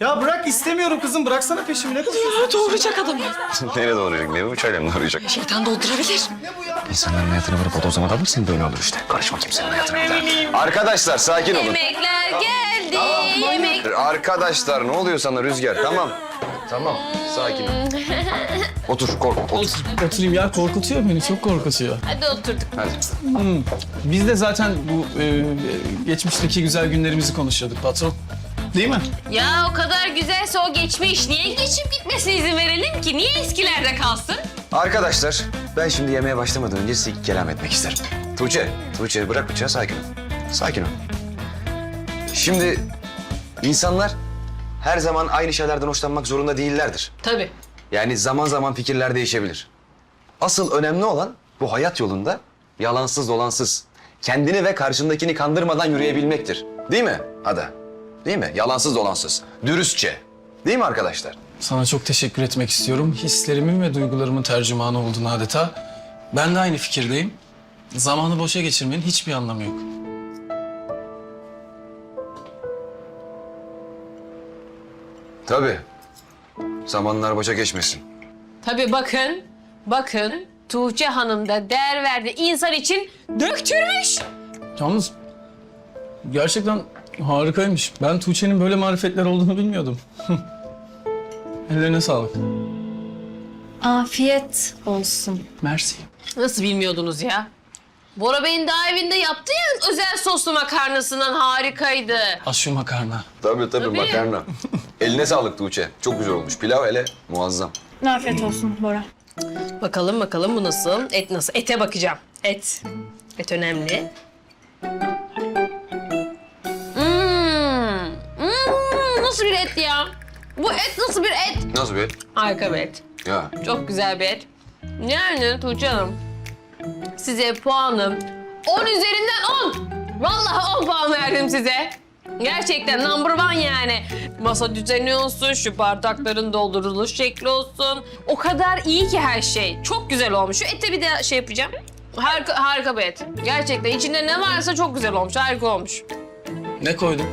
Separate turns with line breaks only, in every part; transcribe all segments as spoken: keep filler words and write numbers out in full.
Ya bırak istemiyorum kızım. Bıraksana peşimi. Ne kızıyorsun?
Doğuracak adamı.
Nereye doğrayacak? Ne bu çayla mı doğrayacak?
Şeytan doldurabilir.
İnsanların hayatını vurup bodozlama dalırsan böyle olur işte. Karışma kimsenin hayatına bir daha. Arkadaşlar sakin olun.
Yemekler geldi. Yemek.
Arkadaşlar ne oluyor sana Rüzgar? Tamam. Tamam. Sakin ol. Otur kork. Otur.
Oturayım ya. Korkutuyor beni. Çok korkutuyor.
Hadi oturduk.
Hadi.
Biz de zaten bu e, geçmişteki güzel günlerimizi konuşuyorduk patron. Değil mi?
Ya o kadar güzelse o geçmiş. Niye geçip gitmesine izin verelim ki? Niye eskilerde kalsın?
Arkadaşlar ben şimdi yemeğe başlamadan önce size iki kelam etmek isterim. Tuğçe, Tuğçe bırak bıçağı sakin ol. Sakin ol. Şimdi insanlar her zaman aynı şeylerden hoşlanmak zorunda değillerdir.
Tabii.
Yani zaman zaman fikirler değişebilir. Asıl önemli olan bu hayat yolunda yalansız dolansız, kendini ve karşındakini kandırmadan yürüyebilmektir. Değil mi Ada? Değil mi? Yalansız dolansız, dürüstçe. Değil mi arkadaşlar?
Sana çok teşekkür etmek istiyorum. Hislerimin ve duygularımın tercümanı oldun adeta. Ben de aynı fikirdeyim. Zamanı boşa geçirmenin hiçbir anlamı yok.
Tabii. Zamanlar boşa geçmesin.
Tabii bakın. Bakın. Tuğçe Hanım da değer verdi. İnsan için döktürmüş.
Yalnız gerçekten harikaymış. Ben Tuğçe'nin böyle marifetler olduğunu bilmiyordum. Ellerine sağlık.
Afiyet olsun.
Mersi.
Nasıl bilmiyordunuz ya? Bora Bey'in daha evinde yaptı ya özel soslu makarnasından harikaydı.
Az şu makarna.
Tabii tabii,
Tabii.
makarna. Eline sağlık Tuğçe. Çok güzel olmuş. Pilav hele muazzam.
Afiyet olsun Bora.
Bakalım bakalım bu nasıl? Et nasıl? Ete bakacağım. Et. Et önemli. Hmm. Hmm, nasıl bir et ya? Bu et nasıl bir et?
Nasıl bir?
Harika bir et.
Ya
Çok güzel bir et. Yani Tuğçe Hanım, size puanım on üzerinden on. Vallahi on puan verdim size. Gerçekten number one yani. Masa düzeni olsun, şu bardakların dolduruluş şekli olsun. O kadar iyi ki her şey. Çok güzel olmuş. Şu ete bir de şey yapacağım. Harika, harika bir et. Gerçekten içinde ne varsa çok güzel olmuş. Harika olmuş.
Ne koydun?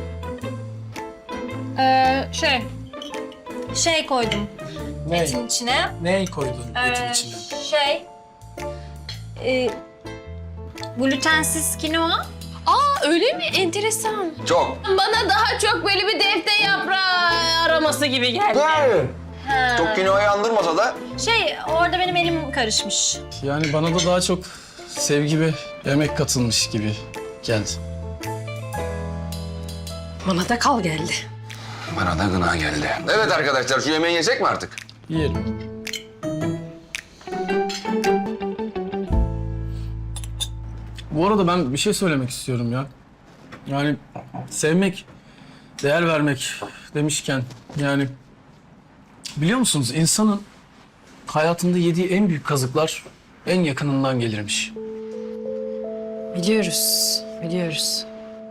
Ee, şey... Şey koydum
Ne?
etin içine.
Ne koydun etin
Ee,
içine?
Şey... E, glutensiz kinoa.
Aa öyle mi? Enteresan.
çok.
Bana daha çok böyle bir defter yaprağı araması gibi geldi.
Ha.
Çok kinoayı andırmasa da
Şey, orada benim elim karışmış.
Yani bana da daha çok sevgi ve emek katılmış gibi geldi.
Bana da kal geldi.
bana da gına geldi. Evet arkadaşlar şu yemeği yesek mi artık?
Yiyelim. Bu arada ben bir şey söylemek istiyorum ya. Yani sevmek, değer vermek demişken yani biliyor musunuz insanın hayatında yediği en büyük kazıklar en yakınından gelirmiş.
Biliyoruz, biliyoruz.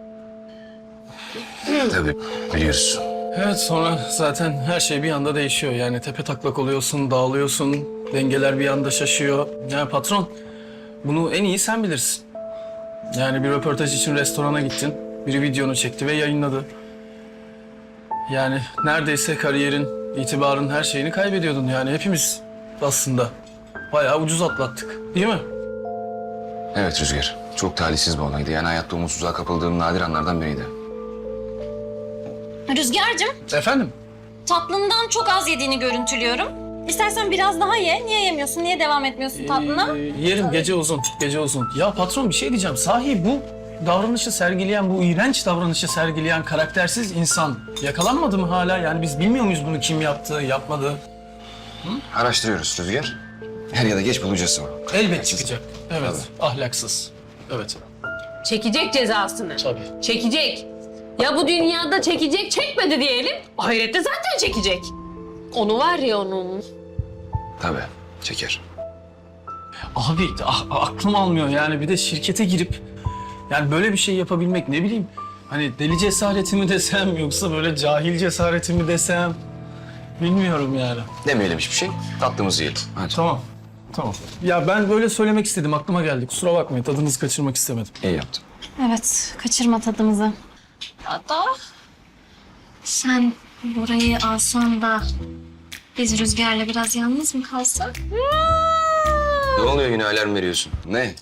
Tabii biliyoruz.
Evet sonra zaten her şey bir anda değişiyor. Yani tepe taklak oluyorsun, dağılıyorsun, dengeler bir anda şaşıyor. Yani patron bunu en iyi sen bilirsin. Yani bir röportaj için restorana gittin, biri videonu çekti ve yayınladı. Yani neredeyse kariyerin, itibarın her şeyini kaybediyordun. Yani hepimiz aslında bayağı ucuz atlattık, değil mi?
Evet Rüzgar. Çok talihsiz bir olaydı. Yani hayatta umutsuzluğa kapıldığım nadir anlardan biriydi.
Rüzgar'cığım,
Efendim?
tatlından çok az yediğini görüntülüyorum. İstersen biraz daha ye. Niye yemiyorsun? Niye devam etmiyorsun tatlına?
Ee, yerim gece uzun, gece uzun. Ya patron bir şey diyeceğim. Sahi bu davranışı sergileyen, bu iğrenç davranışı sergileyen karaktersiz insan yakalanmadı mı hala? Yani biz bilmiyor muyuz bunu kim yaptı, yapmadı?
Araştırıyoruz Rüzgar. Her ya da geç bulacağız onu.
Elbet çıkacak. Evet, ahlaksız. Evet,
Çekecek cezasını.
tabii.
Çekecek. Ya bu dünyada çekecek, çekmedi diyelim. Ahirette zaten çekecek. Onu var ya onun.
Tabii çeker.
Abi ah, aklım almıyor yani bir de şirkete girip yani böyle bir şey yapabilmek ne bileyim hani deli cesareti mi desem yoksa böyle cahil cesareti mi desem bilmiyorum yani.
Demeyelim hiçbir şey. Tatlımızı yiyelim. Hadi.
Tamam, tamam. Ya ben böyle söylemek istedim aklıma geldi kusura bakmayın tadınızı kaçırmak istemedim.
İyi yaptın.
Evet, kaçırma tadımızı. Hatta sen Burayı alsam da biz Rüzgar'la biraz yalnız mı kalsak?
Ne oluyor yine alarm veriyorsun? Ne?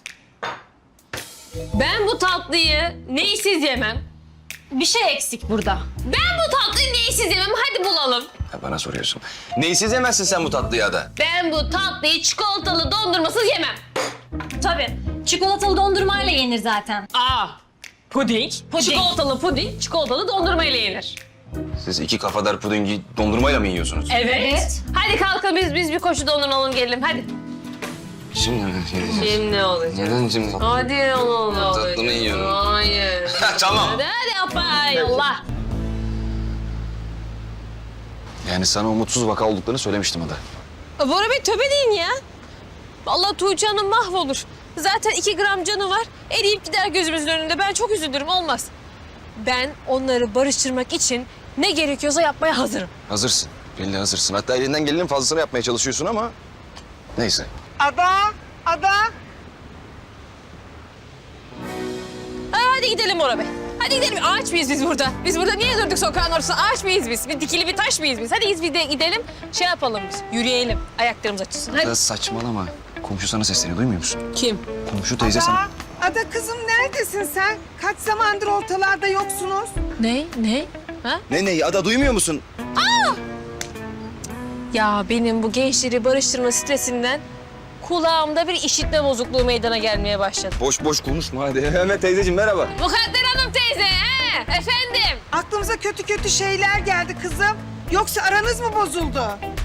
Ben bu tatlıyı neysiz yemem.
Bir şey eksik burada.
Ben bu tatlıyı neysiz yemem. Hadi bulalım.
Ha, bana soruyorsun. Neysiz yemezsin sen bu tatlıyı Ada?
Ben bu tatlıyı çikolatalı dondurmasız yemem.
Tabii. Çikolatalı dondurmayla yenir zaten.
Aa, puding,
Puding.
çikolatalı puding, çikolatalı dondurma ile yenir.
Siz iki kafadar pudingi dondurmayla mı yiyorsunuz?
Evet.
Evet.
Hadi kalkın biz biz bir koşu dondurma alalım gelelim hadi.
Şimdi mi yiyeceğiz?
Şimdi ne olacak?
Neden şimdi?
Hadi oğlum.
Tatlını yiyorum.
Hayır.
Tamam.
Hadi hadi yapay Allah.
Yani sana umutsuz vaka olduklarını söylemiştim Ada.
Bora Bey tövbe deyin ya. Allah Tuğçe Hanım mahvolur. Zaten iki gram canı var. Eriyip gider gözümüzün önünde. Ben çok üzülürüm olmaz. Ben onları barıştırmak için ne gerekiyorsa yapmaya hazırım.
Hazırsın. Belli hazırsın. Hatta elinden gelenin fazlasını yapmaya çalışıyorsun ama... Neyse.
Ada, Ada.
Ha, hadi gidelim Bora Bey. Hadi gidelim. Ağaç mıyız biz burada? Biz burada niye durduk sokağın ortasında? Ağaç mıyız biz? Bir dikili bir taş mıyız biz? Hadi biz de gidelim. Şey yapalım biz. Yürüyelim. Ayaklarımız açılsın. Hadi.
Ada saçmalama. Komşu sana sesleniyor. Duymuyor musun?
Kim?
Komşu teyze sana...
Ada, Ada kızım neredesin sen? Kaç zamandır ortalarda yoksunuz?
Ne? Ne? Ha?
Ne ne? Ada duymuyor musun?
Ya benim bu gençleri barıştırma stresinden kulağımda bir işitme bozukluğu meydana gelmeye başladı.
Boş boş konuşma hadi. Mehmet teyzeciğim merhaba.
Mukadder Hanım teyze, he? Efendim?
Aklımıza kötü kötü şeyler geldi kızım. Yoksa aranız mı bozuldu?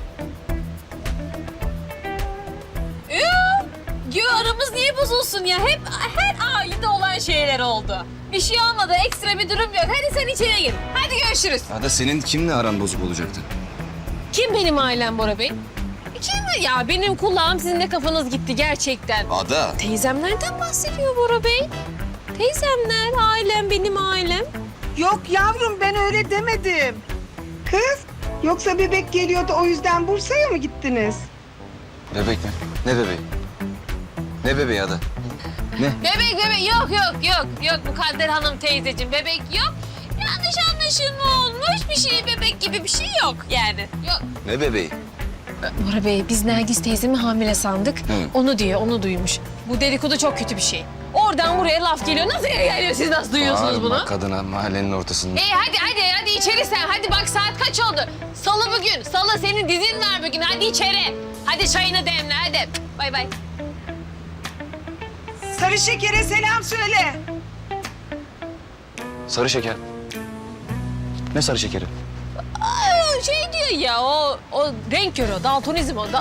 Yoo, yo aramız niye bozulsun ya? Hep her ailede olan şeyler oldu. Bir şey olmadı, ekstra bir durum yok. Hadi sen içeri gir. Hadi görüşürüz.
Ada senin kimle aran bozuk olacaktı?
Kim benim ailem Bora Bey? Kim? Ya benim kulağım sizin de kafanız gitti gerçekten.
Ada.
Teyzemlerden bahsediyor Bora Bey. Teyzemler, ailem, benim ailem.
Yok yavrum ben öyle demedim. Kız, yoksa bebek geliyordu o yüzden Bursa'ya mı gittiniz?
Bebek mi? Ne bebeği? Ne bebeği Ada? Ne?
Bebek bebek yok yok yok yok Mukadder Hanım teyzeciğim bebek yok. Yanlış anlaşılma olmuş bir şey bebek gibi bir şey yok yani. Yok.
Ne bebeği?
Bora Bey biz Nergis teyzemi hamile sandık.
Hı.
Onu diyor onu duymuş. Bu dedikodu çok kötü bir şey. Oradan buraya laf geliyor. Nasıl geliyor siz nasıl duyuyorsunuz
Bağırma
bunu?
kadına mahallenin ortasında.
Ee hadi hadi hadi içeri sen. Hadi bak saat kaç oldu? Salı bugün. Salı senin dizin var bugün. Hadi içeri. Hadi çayını demle hadi. Bay bay.
Sarı şekere selam söyle.
Sarı şeker. Ne sarı şekeri?
Aa, şey diyor ya o o renk körü o daltonizm o da.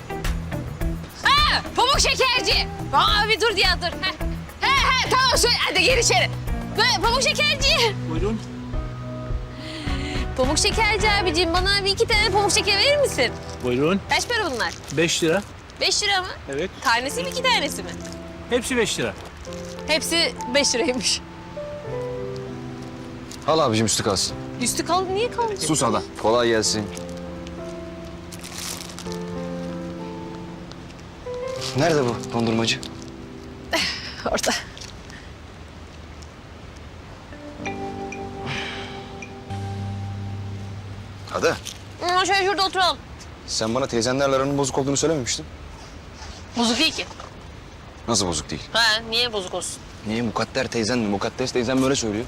Ha pamuk şekerci. Aa bir dur ya dur. He he, he tamam söyle hadi gir içeri. Ve pamuk şekerci.
Buyurun.
Pamuk şekerci abiciğim bana bir iki tane pamuk şeker verir misin?
Buyurun.
Kaç para bunlar?
Beş lira.
Beş lira mı?
Evet.
Tanesi mi iki tanesi mi?
Hepsi beş lira.
Hepsi beş liraymış.
Al abicim üstü kalsın.
Üstü kal niye kaldı?
Sus Ada. Kolay gelsin. Nerede bu dondurmacı?
Orada.
Ada.
Hı, şöyle şurada oturalım.
Sen bana teyzenlerle aranın bozuk olduğunu söylememiştin.
Bozuk değil ki.
Nasıl bozuk değil?
Ha niye bozuk olsun?
Niye? Mukadder teyzen mi? Mukaddes teyzen böyle söylüyor.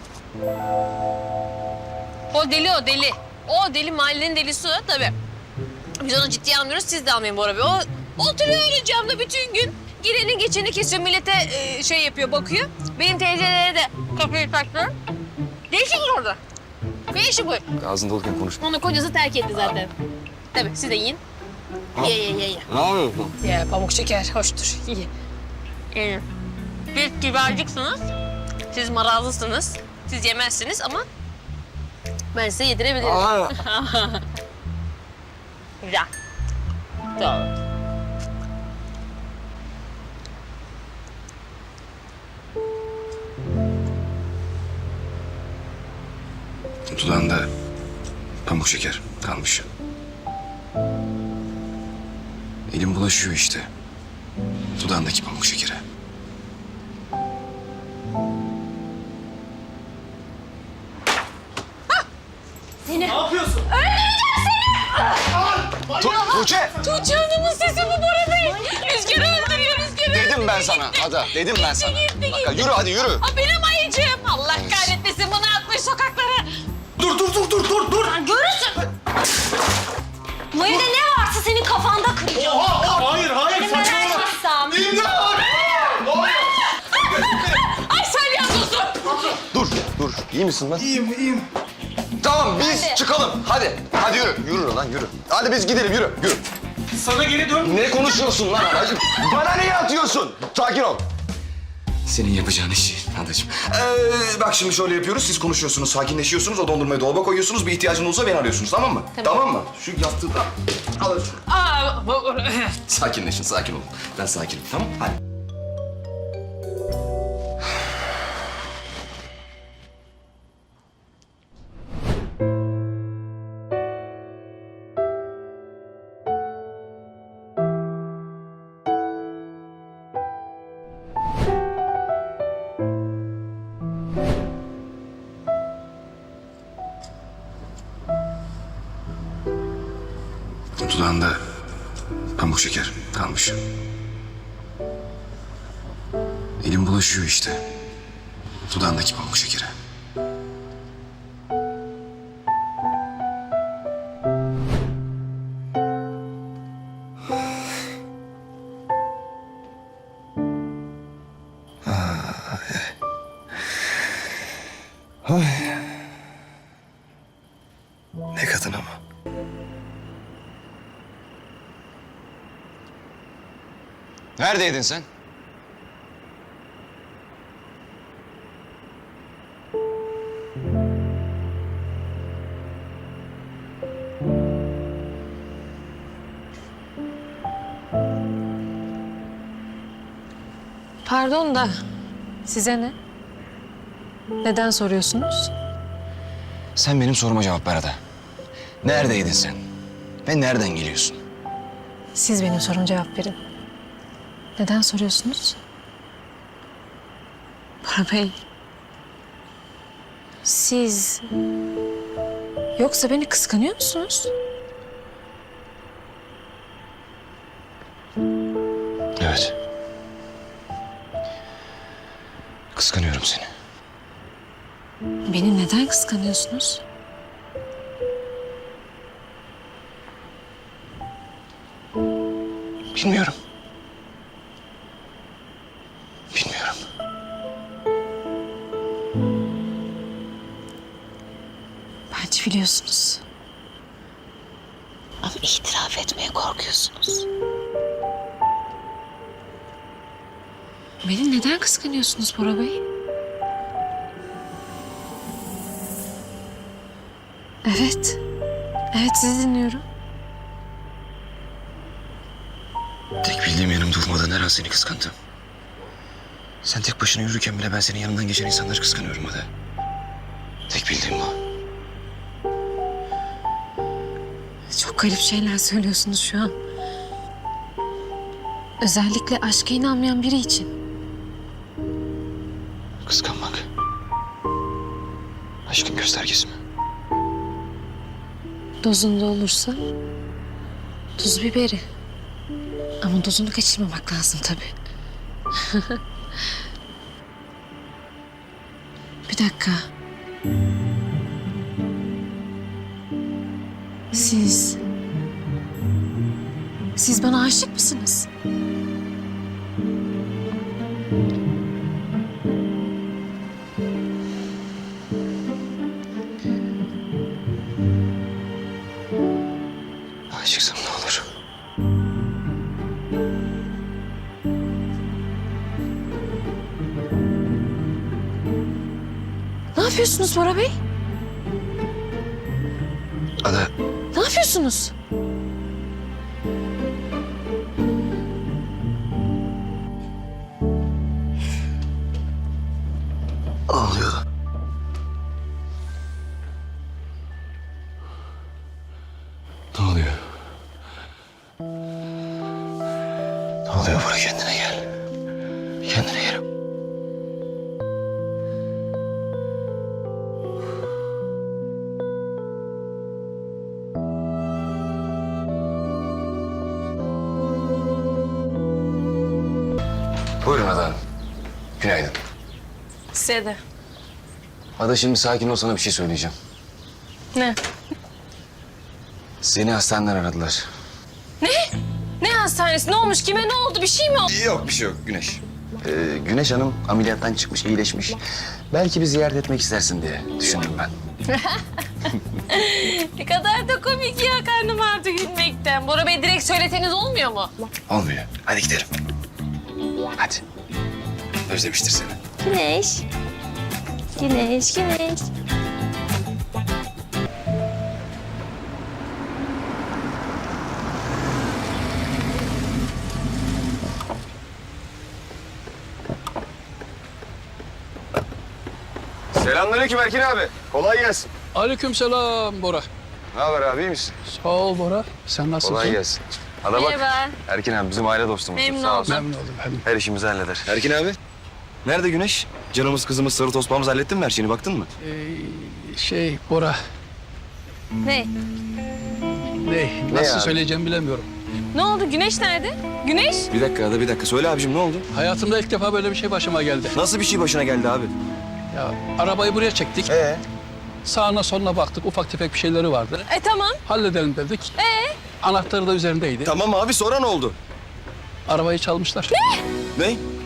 O deli o deli. O deli mahallenin delisi o tabii. Biz onu ciddiye almıyoruz siz de almayın Bora Bey. O oturuyor öyle camda bütün gün. Gireni geçeni kesiyor millete e, şey yapıyor bakıyor. Benim teyzelere de kapıyı taktı. Ne işi var orada? Ne işi bu?
Ağzın doluyken konuşma.
Onu kocası terk etti zaten. Tabii siz de yiyin. Ye ye ye ye.
Ne yapıyorsun?
Ye pamuk şeker hoştur. Ye. Ee, siz kibarcıksınız. Siz marazlısınız. Siz yemezsiniz ama ben size yedirebilirim. Güzel. Sağ olun.
Dudağında pamuk şeker kalmış. Elim bulaşıyor işte. Dudağındaki pamuk şekere.
Ne yapıyorsun?
Tuğçe!
Tuğçe Hanım'ın sesi bu Bora Bey. Rüzgarı öldürüyor, rüzgarı öldürüyor.
Dedim ben sana Ada, dedim ben sana.
gitti,
Bak, yürü hadi yürü.
Aa, benim ayıcığım. Allah kahretmesin bunu atmış sokaklara.
Dur dur dur dur dur dur.
Sen görürsün. Bu evde ne varsa senin kafanda kıracağım.
Oha, oha, hayır hayır
Seni ben açmazsam.
Ay Salya dur.
Dur, dur. İyi misin lan?
İyiyim iyiyim.
Tamam biz
Hadi.
çıkalım. Hadi. Hadi yürü. Yürü lan yürü. Hadi biz gidelim yürü. Yürü.
Sana geri dön.
Ne konuşuyorsun lan adacığım? Bana niye atıyorsun? Sakin ol. Senin yapacağın işi adacığım. Ee, bak şimdi şöyle yapıyoruz. Siz konuşuyorsunuz, sakinleşiyorsunuz. O dondurmayı dolaba koyuyorsunuz. Bir ihtiyacınız olursa beni arıyorsunuz. Tamam mı? Tamam, mı? Şu yastığı da alın şunu.
Aa, bu-
Sakinleşin, sakin olun. Ben sakinim. Tamam mı? Hadi. Dudağında pamuk şeker kalmış. Elim bulaşıyor işte. Dudağındaki pamuk şekere. Ay. Ne kadın ama. Neredeydin sen?
Pardon da size ne? Neden soruyorsunuz?
Sen benim soruma cevap ver Ada. Neredeydin sen? Ve nereden geliyorsun?
Siz benim soruma cevap verin. Neden soruyorsunuz? Bora Bey. Siz... Yoksa beni kıskanıyor musunuz?
Evet. Kıskanıyorum seni.
Beni neden kıskanıyorsunuz?
Bilmiyorum. Bilmiyorum.
Bence biliyorsunuz. Ama itiraf etmeye korkuyorsunuz. Beni neden kıskanıyorsunuz Bora Bey? Evet. Evet, sizi dinliyorum.
Tek bildiğim yanım durmadan her an seni kıskandım. Sen tek başına yürürken bile ben senin yanından geçen insanları kıskanıyorum Ada. Tek bildiğim bu.
Çok garip şeyler söylüyorsunuz şu an. Özellikle aşka inanmayan biri için.
Kıskanmak. Aşkın göstergesi mi?
Dozunda olursa tuz biberi. Ama dozunu kaçırmamak lazım tabii. Bir dakika. Siz... Siz bana aşık mısınız?
Aşıksam ne olur?
Ne yapıyorsunuz Bora Bey?
Ada,
Ne yapıyorsunuz?
ağlıyor. Ne oluyor? Ne oluyor Bora, kendine gel. Kendine gel. Buyurun Ada Hanım. Günaydın.
Size de.
Ada şimdi sakin ol, sana bir şey söyleyeceğim.
Ne?
Seni hastaneden aradılar.
Ne? Ne hastanesi? Ne olmuş? Kime ne oldu? Bir şey mi oldu?
Yok bir şey yok Güneş. Ee, Güneş Hanım ameliyattan çıkmış, iyileşmiş. Belki bir ziyaret etmek istersin diye düşündüm ben.
Ne kadar da komik ya. Karnım ağrıdı gülmekten. Bora Bey direkt söyleseniz olmuyor mu?
Olmuyor. Hadi gidelim. Hadi. Özlemiştir seni.
Güneş. Güneş, güneş.
Selamünaleyküm Erkin abi. Kolay gelsin.
Aleykümselam Bora.
Ne haber abi, iyi misin?
Sağ ol Bora. Sen nasılsın?
Kolay gelsin. Ada bak.
Merhaba.
Erkin abi bizim aile dostumuz.
Memnun
Sağ olsun.
Memnun oldum. Memnun.
Her işimizi halleder. Erkin abi. Nerede Güneş? Canımız kızımız sarı tospağımız, hallettin mi her şeyini, baktın mı?
Ee, şey Bora,
Ne?
ne, nasıl
abi?
söyleyeceğimi bilemiyorum.
Ne oldu? Güneş nerede? Güneş?
Bir dakika Ada, bir dakika. Söyle abicim, ne oldu?
Hayatımda ilk defa böyle bir şey başıma geldi.
Nasıl bir şey başına geldi abi?
Ya arabayı buraya çektik.
Ee?
Sağına soluna baktık. Ufak tefek bir şeyleri vardı.
E tamam.
Halledelim dedik.
Ee?
Anahtarı da üzerindeydi.
Tamam abi, sonra ne oldu?
Arabayı çalmışlar.
Ne?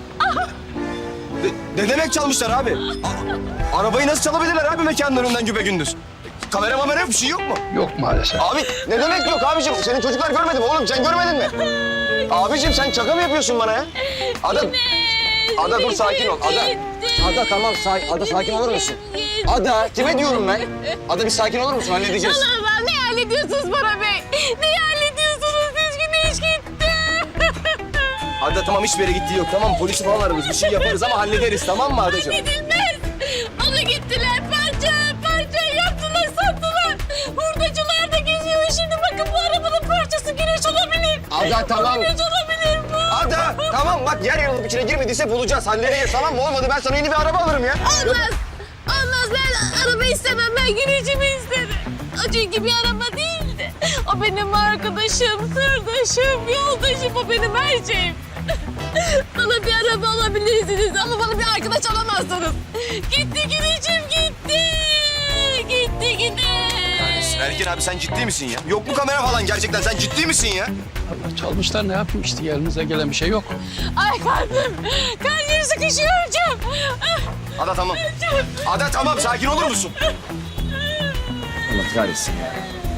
Ne, ne demek çalmışlar abi? A- arabayı nasıl çalabilirler abi mekanın önünden güpegündüz? Kamera mamera yok, bir şey yok mu?
Yok maalesef.
Abi ne demek yok abicim? Senin çocuklar görmedi mi oğlum? Sen görmedin mi? Abicim sen şaka mı yapıyorsun bana ya? Ada, Ada dur sakin ol. Ada, Ada tamam sakin. Ada sakin olur musun? Ada kime diyorum ben? Ada bir sakin olur musun? Halledeceğiz.
Allah, ne hallediyorsunuz Bora Bey? Ne hallediyorsunuz? Siz Güneş gitti.
Ada tamam, hiçbir yere gittiği yok. Tamam, polisi falan ararız. Bir şey yaparız ama hallederiz, tamam mı Adacığım?
Gidilmez. Onu gittiler parça parça yaptılar, sattılar. Hurdacılar da geziyor. Şimdi bakın bu arabanın parçası Güneş olabilir.
Ada tamam.
Güneş olabilir bu.
Ada tamam, bak yer yarılıp içine girmediyse bulacağız, halledeceğiz, tamam mı? Olmadı ben sana yeni bir araba alırım ya.
Olmaz. Olmaz. Ben araba istemem. Ben Güneş'imi isterim. O çünkü bir araba değildi. O benim arkadaşım, sırdaşım, yoldaşım. O benim her şeyim. Bana bir araba alabilirsiniz ama bana bir arkadaş alamazsınız. Gitti Güneş'im gitti. Gitti gitti.
Erkin abi sen ciddi misin ya? Yok mu kamera falan gerçekten? Sen ciddi misin ya?
Allah çalmışlar, ne yapayım işte, elimize gelen bir şey yok.
Ay kalbim. Kalbim sıkışıyor hocam.
Ada tamam. Ada tamam, sakin olur musun? Allah kahretsin ya.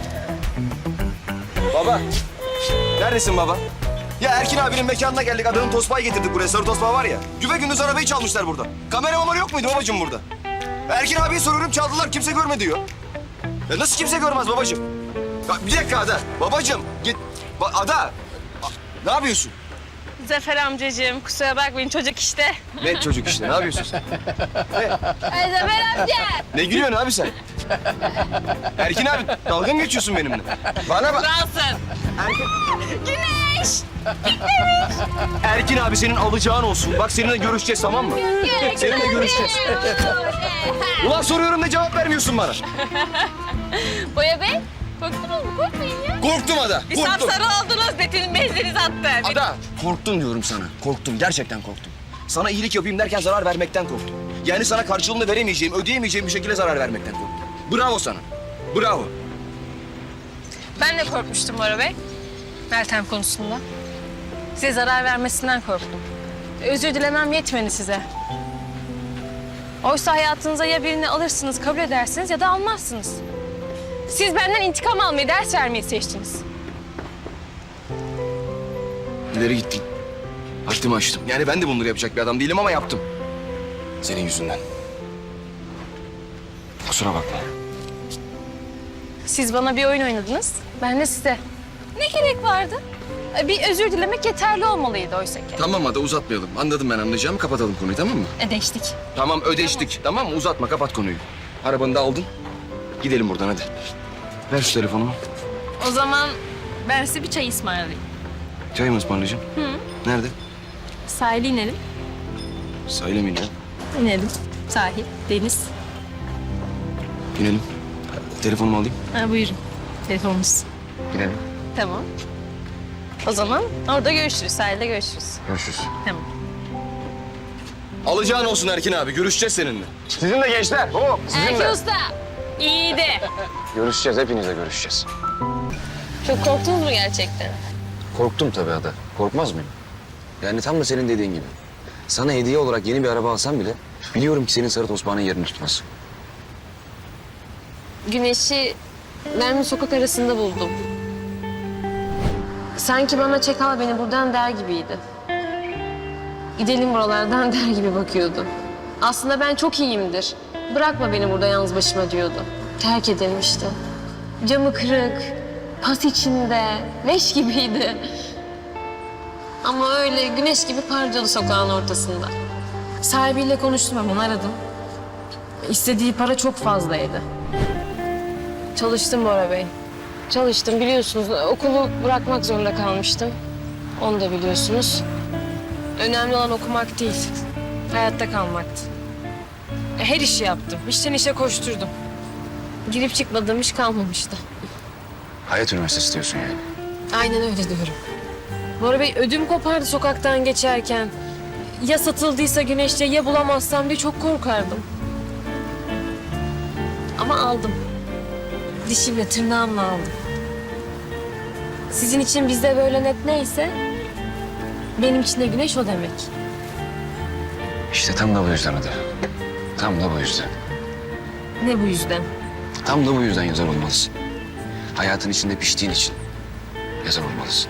Baba. Neredesin baba? Ya Erkin abinin mekanına geldik. Adamın tosbağı getirdik buraya. Sarı tosbağı var ya. Güve gündüz arabayı çalmışlar burada. Kamera mamara yok muydu babacığım burada? Erkin abiye soruyorum, çaldılar. Kimse görmedi diyor. Ya nasıl kimse görmez babacığım? Ya bir dakika Ada. Babacığım git. Ba- Ada. A- ne yapıyorsun?
Zafer amcacığım kusura bakmayın çocuk işte.
Ne çocuk işte, ne yapıyorsun sen?
Ay Zafer amca.
Ne gülüyorsun abi sen? Erkin abi dalga mı geçiyorsun benimle? Bana bak.
Kralsın.
Erkin,
Güneş.
Erkin abi senin alacağın olsun. Bak seninle görüşeceğiz, tamam mı? Seninle görüşeceğiz. Ulan soruyorum da cevap vermiyorsun bana.
Boya Bey korktunuz mu? Korkmayın ya.
Korktum Ada.
Bir
Korktum.
sapsarı oldunuz. Betin benziniz attı.
Ada. Korktum diyorum sana. Korktum. Gerçekten korktum. Sana iyilik yapayım derken zarar vermekten korktum. Yani sana karşılığını veremeyeceğim, ödeyemeyeceğim bir şekilde zarar vermekten korktum. Bravo sana. Bravo.
Ben de korkmuştum Bora Bey. Meltem konusunda. Size zarar vermesinden korktum. Özür dilemem yetmedi size. Oysa hayatınıza ya birini alırsınız, kabul edersiniz ya da almazsınız. Siz benden intikam almayı, ders vermeyi seçtiniz.
İleri gittin. Haddimi aştım. Yani ben de bunları yapacak bir adam değilim ama yaptım. Senin yüzünden. Kusura bakma.
Siz bana bir oyun oynadınız, ben de size. Ne gerek vardı? Bir özür dilemek yeterli olmalıydı oysa ki.
Tamam Ada, uzatmayalım. Anladım ben anlayacağımı. Kapatalım konuyu, tamam mı?
Ödeştik.
Tamam, ödeştik. Tamam mı? Uzatma, kapat konuyu. Arabanı da aldın. Gidelim buradan hadi. Ver şu telefonumu.
O zaman ben size bir çay ısmarlayayım.
Çay mı ısmarlayacağım? Hı. Nerede?
Sahile inelim.
Sahile mi inelim?
İnelim. Sahil, deniz.
İnelim. Telefonumu alayım.
Ha, buyurun. Telefonunuz.
İnelim.
Tamam. O zaman orada görüşürüz. Sahilde görüşürüz.
Görüşürüz.
Tamam.
Alacağın olsun Erkin abi. Görüşeceğiz seninle.
Sizin de gençler. Hop sizin
Erkin
de.
Usta. İyiydi.
Görüşeceğiz, hepinizle görüşeceğiz.
Çok korktunuz mu gerçekten?
Korktum tabii Ada. Korkmaz mıyım? Yani tam da senin dediğin gibi. Sana hediye olarak yeni bir araba alsam bile biliyorum ki senin sarı tosbağanın yerini tutmaz.
Güneşi ben bir sokak arasında buldum. Sanki bana çek al beni buradan der gibiydi. Gidelim buralardan der gibi bakıyordu. Aslında ben çok iyiyimdir. Bırakma beni burada yalnız başıma diyordu. Terk edilmişti. Camı kırık, pas içinde, leş gibiydi. Ama öyle güneş gibi parlıyordu sokağın ortasında. Sahibiyle konuştum hemen aradım. İstediği para çok fazlaydı. Çalıştım Bora Bey. Çalıştım biliyorsunuz. Okulu bırakmak zorunda kalmıştım. Onu da biliyorsunuz. Önemli olan okumak değil, hayatta kalmaktı. Her işi yaptım. İşten işe koşturdum. Girip çıkmadığım iş kalmamıştı.
Hayat Üniversitesi diyorsun yani.
Aynen öyle diyorum. Bora Bey ödüm kopardı sokaktan geçerken. Ya satıldıysa Güneş'te ya bulamazsam diye çok korkardım. Ama aldım. Dişimle tırnağımla aldım. Sizin için bizde böyle net neyse benim için de Güneş o demek.
İşte tam da bu yüzden Ada. Tam da bu yüzden.
Ne bu yüzden?
Tam da bu yüzden yazar olmalısın. Hayatın içinde piştiğin için yazar olmalısın.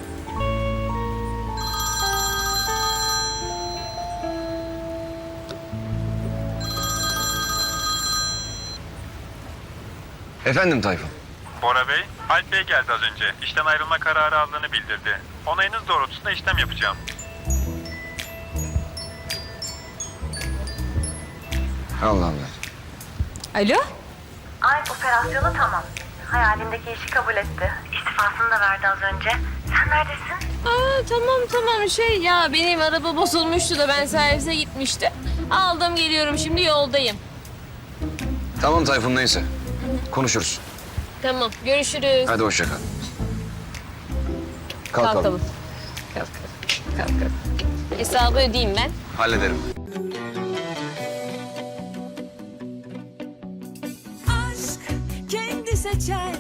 Efendim Tayfun.
Bora Bey, Alp Bey geldi az önce. İşten ayrılma kararı aldığını bildirdi. Onayınız doğrultusunda işlem yapacağım.
Allah Allah.
Alo?
Alp operasyonu tamam. Hayalindeki işi kabul etti. İstifasını da verdi az önce. Sen neredesin?
Aa, tamam tamam şey ya benim araba bozulmuştu da ben servise gitmiştim. Aldım geliyorum şimdi yoldayım.
Tamam Tayfun neyse. Konuşuruz.
Tamam görüşürüz.
Hadi hoşça kal. Kalkalım.
Kalkalım. Kalk kalk. Kalk kalk. Hesabı ödeyeyim ben.
Hallederim.
Aşk kendi seçer